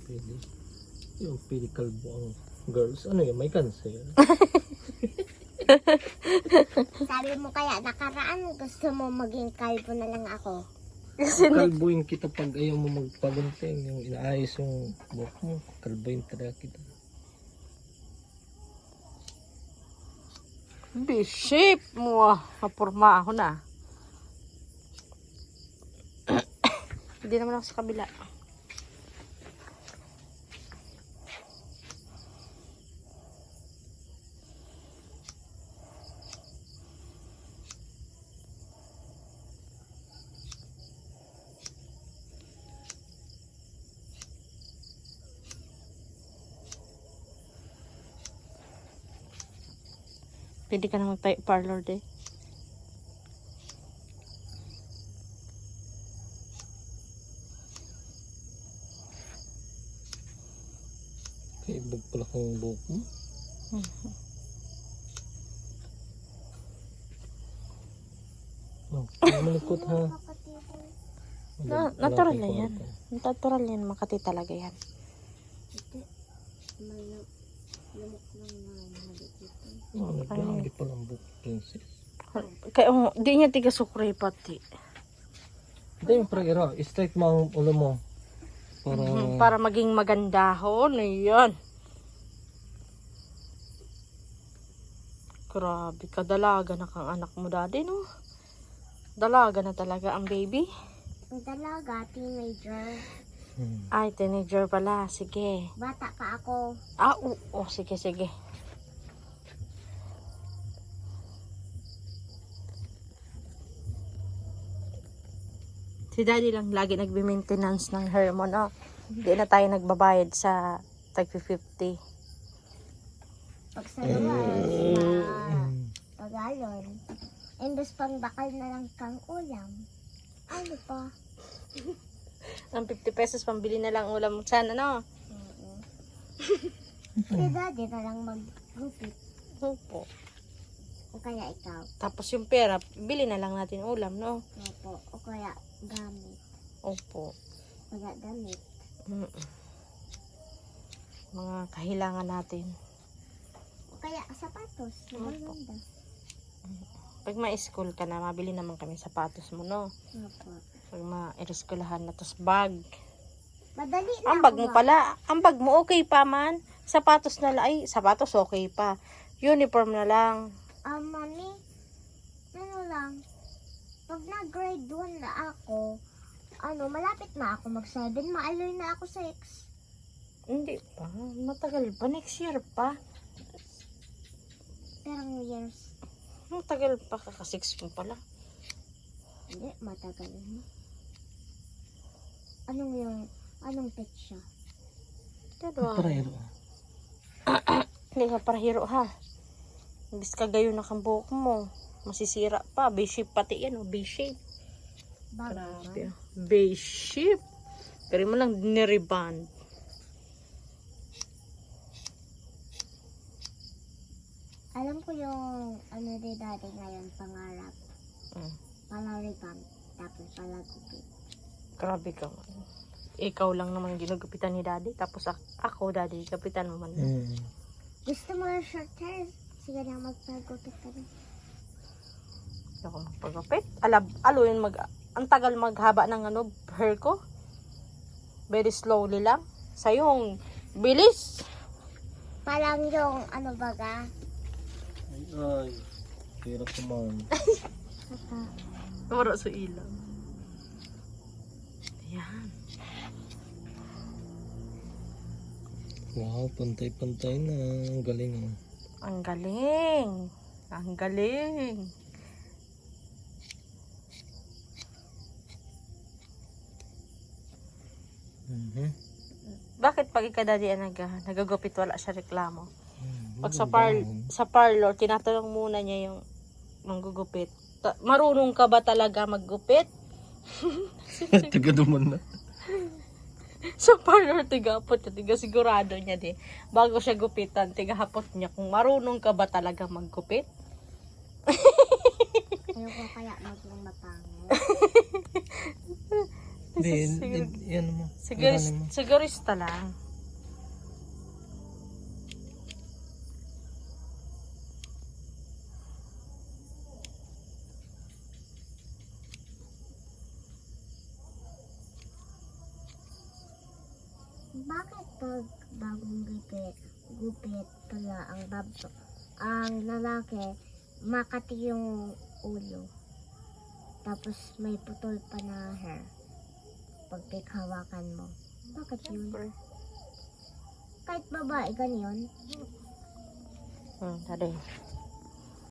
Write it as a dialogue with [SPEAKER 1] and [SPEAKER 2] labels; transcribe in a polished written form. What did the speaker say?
[SPEAKER 1] pwede. Yung pili kalbo ang girls. Ano yun? May cancer.
[SPEAKER 2] Sabi mo kaya nakaraan gusto mo maging kalbo na lang ako.
[SPEAKER 1] Kalbuin kita pag ayaw mo magpagunting. Yung inaayos yung buhok mo. Kalbuin talaga kita.
[SPEAKER 3] B-shape mo. Mapurma ako na. Hindi naman ako sa kabila. Pwede ka na mag-type parlor din.
[SPEAKER 1] Kaibog pala kong buhok mo. Oh, malikot ha.
[SPEAKER 3] Natural na yan. Natural yan. Makati talaga yan.
[SPEAKER 1] Oh, nagdagi pala ang buhok, princess.
[SPEAKER 3] Kaya di niya tiga sukray pati.
[SPEAKER 1] Hindi yung pra-ira. Straight mo ang ulo mo.
[SPEAKER 3] Para maging magandahon. Ayan. Grabe ka. Dalaga na kang anak mo daddy, no? Dalaga na talaga ang baby.
[SPEAKER 2] Ang dalaga, teenager.
[SPEAKER 3] Ay, teenager pala. Sige.
[SPEAKER 2] Bata pa ako.
[SPEAKER 3] Ah, oo. Sige, sige. Si daddy lang lagi nagbe-maintenance ng hair mo, no? Hindi na tayo nagbabayad sa tag 50.
[SPEAKER 2] Pag sa luwas, tagalon. Imbes pang bakal na lang kang ulam. Ano pa?
[SPEAKER 3] Ang 50 pesos pambili na lang ulam sana, no?
[SPEAKER 2] Si daddy na lang maggupit.
[SPEAKER 3] Opo.
[SPEAKER 2] O kaya ikaw.
[SPEAKER 3] Tapos yung pera, bili na lang natin ulam, no?
[SPEAKER 2] Opo. O kaya gamit.
[SPEAKER 3] Opo.
[SPEAKER 2] Kaya gamit.
[SPEAKER 3] Mga kahilangan natin.
[SPEAKER 2] O kaya sapatos. Maganda.
[SPEAKER 3] Pag ma-school ka na, mabili naman kami sapatos mo, no?
[SPEAKER 2] Opo.
[SPEAKER 3] Pag ma-eskwelahan na, tapos bag.
[SPEAKER 2] Madali na.
[SPEAKER 3] Ang bag mo pala, ang bag mo okay pa man. Sapatos na lang, ay, sapatos okay pa. Uniform na lang.
[SPEAKER 2] Mami, ano lang, pag na-grade 1 na ako, malapit na ako mag-7, maaloy na ako 6.
[SPEAKER 3] Hindi pa, matagal pa, next year pa.
[SPEAKER 2] Perang years,
[SPEAKER 3] Matagal pa, kaka-6 mo pala.
[SPEAKER 2] hindi, matagal na. Anong petsa?
[SPEAKER 3] Pero,
[SPEAKER 1] Pra-ira.
[SPEAKER 3] hindi ka para hero ha. Imbis ka gayon na kang buhok mo. Masisira pa. B-shape pati yan. B-shape.
[SPEAKER 2] Bago.
[SPEAKER 3] B-shape. Pero mo lang niriband.
[SPEAKER 2] Alam ko yung di dati ngayon, pangarap. Palaripan, tapos palagupit.
[SPEAKER 3] Grabe ka man. Ikaw lang naman ginugupitan ni daddy. Tapos ako daddy, kapitan mo man.
[SPEAKER 2] Gusto mo yung short hair? Sige na, magpagupit ka rin.
[SPEAKER 3] Hindi ako magpagupit. Ang tagal maghaba ng hair ko. Very slowly lang. Sa'yo, bilis.
[SPEAKER 2] Parang yung baga?
[SPEAKER 1] Ay, hirap naman.
[SPEAKER 3] Wala sa ilang. Ayan.
[SPEAKER 1] Wow, pantay-pantay na. Ang galing oh.
[SPEAKER 3] Ang galing. Ang galing. Bakit pag ikadadi nagagupit wala siya reklamo? Pag sa parlor, tinatanong muna niya yung manggugupit. Marunong ka ba talaga maggupit?
[SPEAKER 1] Taga naman na.
[SPEAKER 3] Sa parlor, tigapot niya. Tiga sigurado niya din. Bago siya gupitan, tigahapot niya kung marunong ka ba talaga maggupit.
[SPEAKER 2] Ayaw ko kaya maging mapangit.
[SPEAKER 1] Yan mo. Ilalim mo.
[SPEAKER 3] Sigurista lang.
[SPEAKER 2] Bakit pag bagong gupit pala ang lalaki, makati yung ulo. Tapos may putol pa na hair. Pag hawakan mo. Bakit yun? Kahit babae, ganyan.
[SPEAKER 3] Tadi.